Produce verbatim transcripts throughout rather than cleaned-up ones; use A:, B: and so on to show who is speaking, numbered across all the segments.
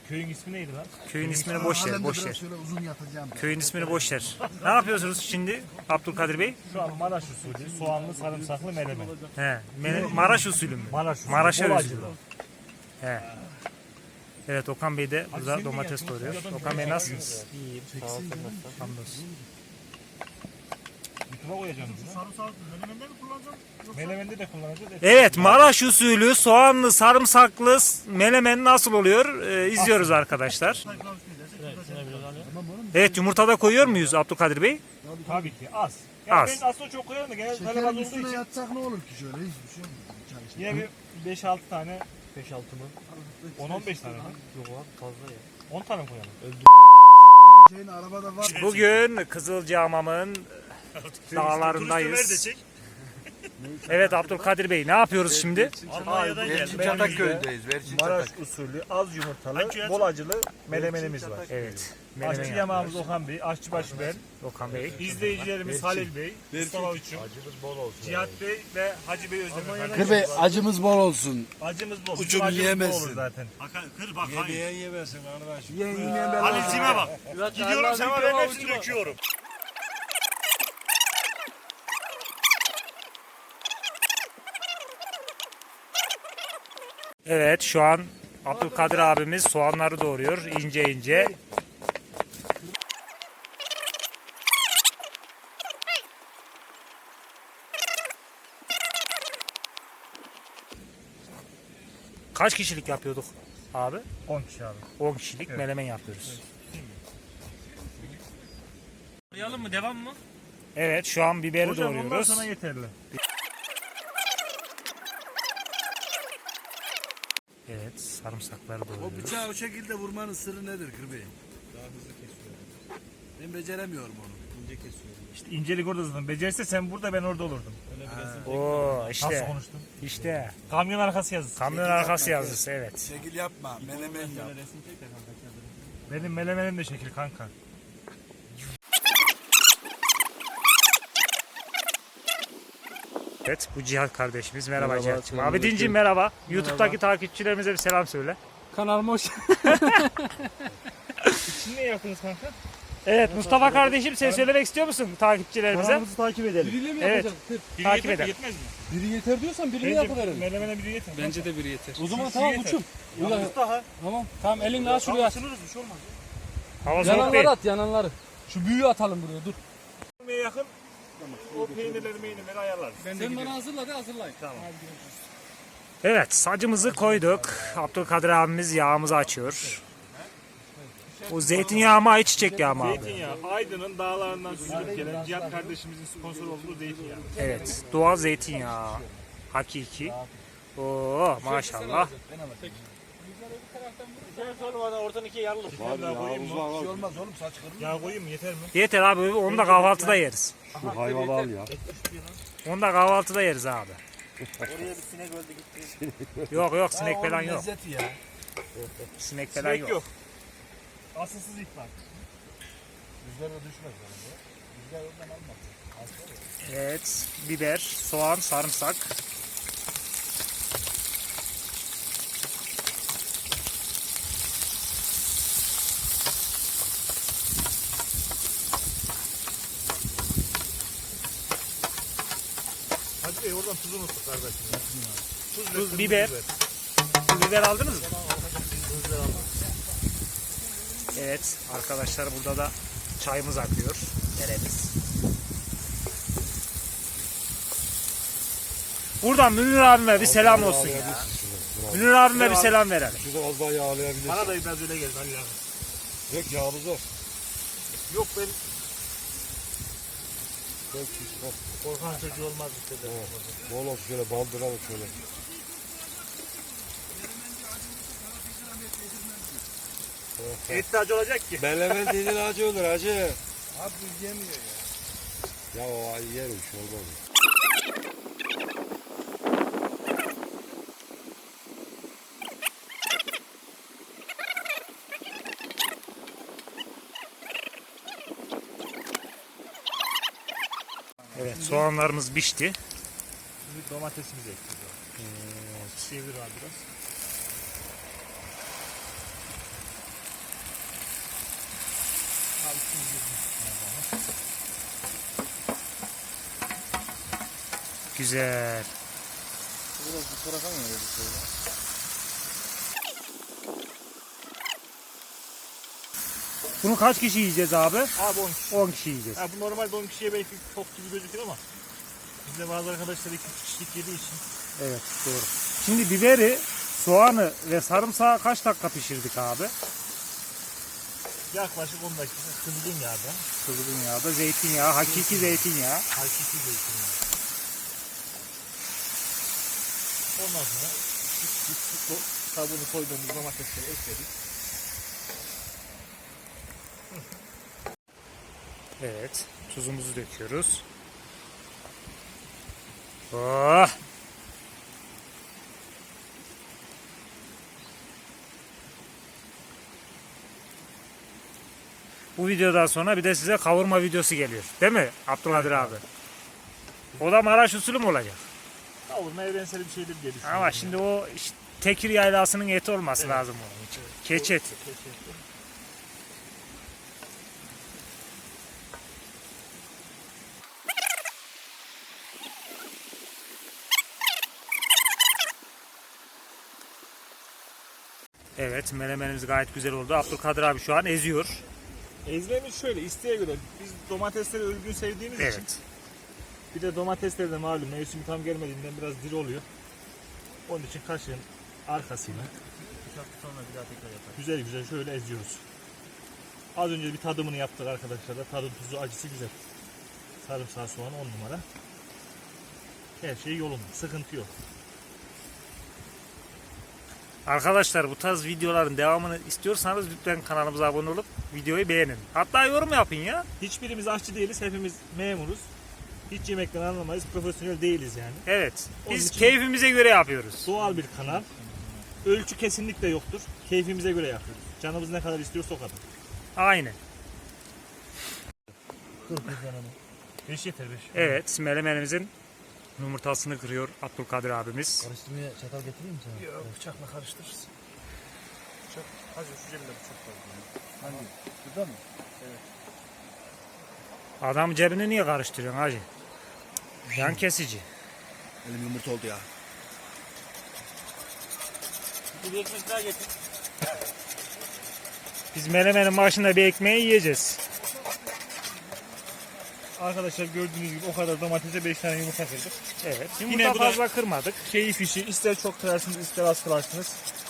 A: Köyün ismi neydi lan?
B: Köyün ismini boş ver, boş ver.
C: Şöyle uzun yatacağım.
B: Köyün ismini boş ver. Ne yapıyorsunuz şimdi Abdülkadir Bey?
A: Şu an Maraş usulü soğanlı sarımsaklı melemen.
B: He, Mele- Maraş usulü mü?
A: Maraş usulü.
B: Maraş'a
A: bol
B: özgü.
A: acılı.
B: He. Evet, Okan Bey de burada domates doğruyor. Okan Bey nasılsınız?
A: İyiyim. Sağ olsun.
B: Hamdolsun.
A: YouTube'a koyacağım bunu. Sarımsak melemende mi kullanacağım? Melemende de kullanacağız.
B: Evet, Maraş usulü soğanlı sarımsaklı melemen nasıl oluyor? Ee, izliyoruz arkadaşlar. Evet, yumurta da koyuyor muyuz Abdülkadir Bey?
A: Tabii ki az. Yani
B: Az.
A: ben aslında çok koyarım da genelde talep az
C: Şekerin
A: olduğu
C: üstüne
A: için.
C: yatsak ne olur ki şöyle hiçbir şey olmaz. Çalışır.
A: Yine bir beş altı tane. beş altı mı? on on beş tane mi?
D: Yok lan fazla ya.
A: on tane mi koyalım?
C: Şeyin arabada var.
B: Bugün Kızılcahamam'ın dağlarındayız. Evet Abdülkadir Bey, ne yapıyoruz şimdi?
A: Almanya'dan geldim.
D: Çataköy'deyiz. Verçin
A: Maraş usulü az yumurtalı, bol acılı melemenimiz var.
B: Evet,
A: Aşçı
B: melemen
A: yamağımız
B: yapıyoruz.
A: Okan Bey, aşçıbaşı ben,
B: Okan Bey.
A: izleyicilerimiz Halil Bey, Mustafa Uçum, Cihat Bey ve Hacı Bey Özdemir.
C: Kır Bey acımız bol olsun.
A: Acımız bol.
C: Uçum
A: Bizim acımız bol
C: yiyemezsin.
A: olur zaten.
E: Kır bak hayır.
D: Yemeyen yemesin arkadaş.
C: Yiyen yemeyen ben
E: Halil'cime bak. Gidiyorum sana ben hepsini döküyorum.
B: Evet, şu an Abdülkadir abimiz soğanları doğruyor ince ince. Kaç kişilik yapıyorduk abi?
A: on kişi abi.
B: on kişilik melemen yapıyoruz.
D: Arayalım mı? Devam mı?
B: Evet, şu an biberi
A: Hocam ondan
B: doğruyoruz.
A: sonra yeterli.
B: Evet, sarımsakları
C: O
B: doğruyoruz.
C: bıçağı o şekilde vurmanın sırrı nedir Kır Bey? Daha hızlı kesiyorum. Ben beceremiyorum onu.
A: İşte incelik orada zaten. Becerirse sen burada ben orada olurdum.
B: Oo,
A: Nasıl
B: işte,
A: konuştun?
B: işte.
A: Kamyon arkası yazısı.
B: Kamyon arkası yazısı, evet.
C: Şekil yapma. Menemen yap.
A: Benim melemenim de şekil kanka.
B: Evet, bu Cihat kardeşimiz. Merhaba, Cihat'cığım. Abi Dinciğim merhaba. YouTube'daki takipçilerimize bir selam söyle.
D: Kanalıma hoş
A: Şimdi ne yaptınız kanka?
B: Evet, Mustafa kardeşim sen söylemek istiyor musun takipçilerimize?
A: Kanalımızı takip edelim.
D: Biriyle mi
B: Evet.
D: yapacak? Kır.
A: Biri
B: Takip
A: yeter mi,
B: eder.
A: Yetmez mi?
D: Biri yeter diyorsan birini
A: Bence
D: yapıverelim.
A: melemene biri yeter.
D: Bence de biri yeter. O zaman
A: Şu
D: tamam
A: yeter.
D: uçum. Ulan,
A: Mustafa.
D: tamam. Tamam elinle al şuraya at.
A: Sınırız bir şey olmaz.
B: Hava soğuk değil.
D: Yananları at yananları. Şu büyüğü atalım buraya dur.
A: Yemeğe yakın o peynirleri meynirleri ayarlarız.
D: Sen bana hazırla de hazırlayın.
A: Tamam.
B: Evet, sacımızı koyduk. Abdülkadir abimiz yağımızı açıyor. O zeytinyağı mı, ayçiçek yağı mı abi?
A: Zeytinyağı. Aydın'ın dağlarından süzülüp gelen Cihat kardeşimizin sponsor olduğu zeytinyağı.
B: Evet, doğal zeytinyağı. Hakiki. Oo, maşallah.
A: Oradan ikiye yarılır. Bir daha koyayım mı?
C: Bir şey olmaz oğlum saç kırılır.
A: Yağ koyayım mı? Yeter mi?
B: Yeter abi, onu da kahvaltıda yeriz.
D: Şu hayvanı al ya.
B: Onu da kahvaltıda yeriz abi.
A: Oraya bir sinek öldü gitti.
B: Yok yok, sinek falan
C: Oğlum
B: yok.
C: lezzeti ya.
B: Sinek falan
A: Sinek
B: yok.
A: yok. Asılsız ihbar.
C: Rüzgar da düşmez bence. Rüzgar ondan almaz.
B: Evet, biber, soğan, sarımsak.
A: Hadi Bey oradan tuzunu unuttuk kardeşim. Tuz, ve
B: Tuz,
A: kırmızı
B: biber. Siz biber aldınız mı? Evet arkadaşlar, burada da çayımız akıyor. Deremiz. Buradan Münir abime bir selam olsun ya. Münir abime bir selam verelim.
D: Şurada az daha yağlayabilirsin.
A: Bana da biraz öyle geldi Ali abi.
D: Yok yağımız var.
A: Yok ben korkan çocuğu olmaz işte.
D: Bol olsun şöyle baldıralım şöyle.
A: Etli acı olacak ki.
D: Melemen dediğin acı olur acı.
C: Abi biz yemiyor ya.
D: Ya o yer bir şey olmaz.
B: Evet, soğanlarımız pişti.
A: Şimdi domatesimizi ekleyeceğiz. Evet. Çevir abi biraz.
B: Güzel. Bunu kaç kişi yiyeceğiz abi?
A: Abi on kişi.
B: on kişi yiyeceğiz.
A: Ha, bu normalde on kişiye belki çok gibi gözükür ama bizde bazı arkadaşlar iki kişilik yediği için.
B: Evet, doğru. Şimdi biberi, soğanı ve sarımsağı kaç dakika pişirdik abi?
A: Yaklaşık on dakika kızgın yağda.
B: Kızgın yağda zeytinyağı, hakiki zeytinyağı.
A: Hakiki zeytinyağı. Ondan sonra biz, biz bu kabuğunu koyduğumuz domatesleri ekledik.
B: Evet, tuzumuzu döküyoruz. Oh! Bu videodan sonra bir de size kavurma videosu geliyor. Değil mi Abdülkadir abi? O da Maraş usulü mü olacak?
A: Kavurma evrensel bir şeydir diye düşünüyorum.
B: Ama şimdi o işte tekir yaylasının eti olması lazım onun için. Keçi eti. Evet, menemenimiz gayet güzel oldu. Abdülkadir abi şu an eziyor.
A: Ezmemiz şöyle isteğe göre biz domatesleri özgün sevdiğimiz için
B: Evet.
A: bir de domatesler de malum mevsimi tam gelmediğinden biraz diri oluyor. Onun için kaşığın arkasıyla güzel güzel şöyle eziyoruz. Az önce bir tadımını yaptık arkadaşlar da tadı tuzu acısı güzel. Sarımsağı soğan on numara. Her şey yolunda, sıkıntı yok.
B: Arkadaşlar bu tarz videoların devamını istiyorsanız lütfen kanalımıza abone olup videoyu beğenin. Hatta yorum yapın ya.
A: Hiçbirimiz aşçı değiliz, hepimiz memuruz. Hiç yemekten anlamayız, profesyonel değiliz yani.
B: Evet.
A: Onun
B: Biz
A: için-
B: keyfimize göre yapıyoruz.
A: Doğal bir kanal. Ölçü kesinlikle yoktur. Keyfimize göre yapıyoruz. Canımız ne kadar istiyorsa o kadar.
B: Aynen.
A: beş yeter beş.
B: Evet, melemenimizin yumurtasını kırıyor Abdülkadir abimiz.
C: Karıştırmaya çatal getireyim mi sana?
A: Yok, bıçakla karıştırırız. Bıçak, hacı şu cebinde bıçak var.
C: Hangi? Burada mı?
B: Adam cebini niye karıştırıyorsun hacı? Yan kesici.
C: Elim yumurta oldu ya.
A: Bir ekmek daha getir.
B: Biz melemenin başında bir ekmeği yiyeceğiz.
A: Arkadaşlar gördüğünüz gibi o kadar domatese beş tane yumurta kırdık.
B: Evet.
A: Yine
B: Yumurta
A: bu da-
B: fazla kırmadık.
A: Keyif işi. İster çok kırarsınız, ister az kırarsınız.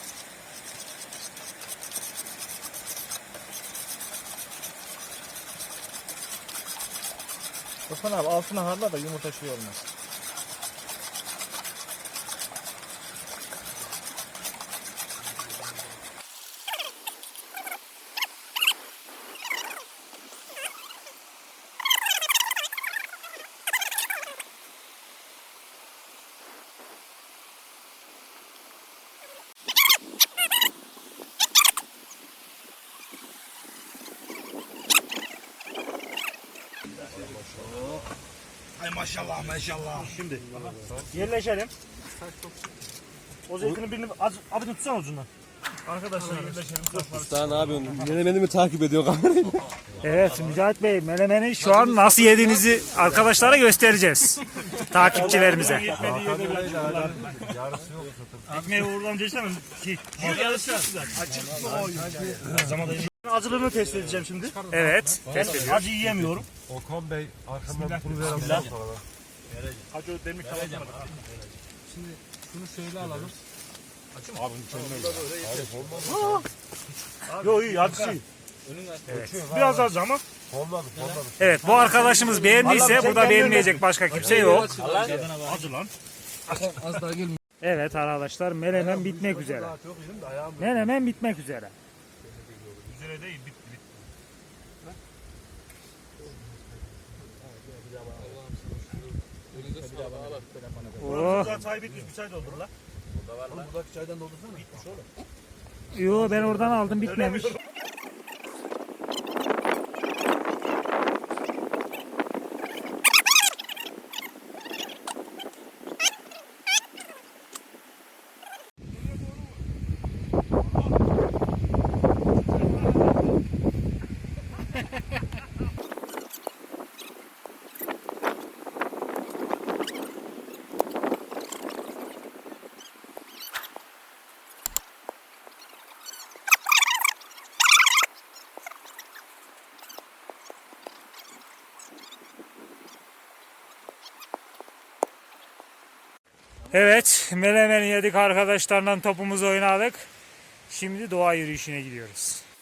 A: Osman abi altına harla da yumurta şey olmaz.
C: Ay maşallah maşallah.
A: Şimdi yerleşelim. O zeytinin birini az, abi tutsana ucundan. Arkadaşlar yerleşelim.
D: Daha ne yapıyorsun? Menemeni mi takip ediyor kamerayı?
B: Evet Mücahit Bey melemeni şu an nasıl yediğinizi arkadaşlara göstereceğiz. Takipçilerimize.
A: Yetmediği yerde biraz kullan. Ekmeği uğurdan geçemem. Ki, yarısı açık. Acılığını test edeceğim şimdi.
B: Evet. Test ediyor.
A: Acı yiyemiyorum.
D: Okan Bey arkamdan bunu veren sonra da.
A: Acı o demlik kapatmadık.
C: Şunu şöyle alalım.
A: Yok iyi acısı iyi. Biraz az ama.
D: Olmadı, olmadı.
B: Evet bu arkadaşımız beğendiyse burada beğenmeyecek başka kimse yok.
A: Acı lan.
C: Az daha gelmiyor.
B: Evet arkadaşlar melemen bitmek üzere. Melemen bitmek üzere.
A: Üzere değil bit bit.
B: Oh.
A: Güzel çay bitmiş bir çay doldur lan.
C: Buradaki çaydan doldursana.
A: Bitmiş oğlum.
B: Yo ben oradan aldım bitmemiş. Evet, melemeni yedik arkadaşlarla topumuzu oynadık. Şimdi doğa yürüyüşüne gidiyoruz.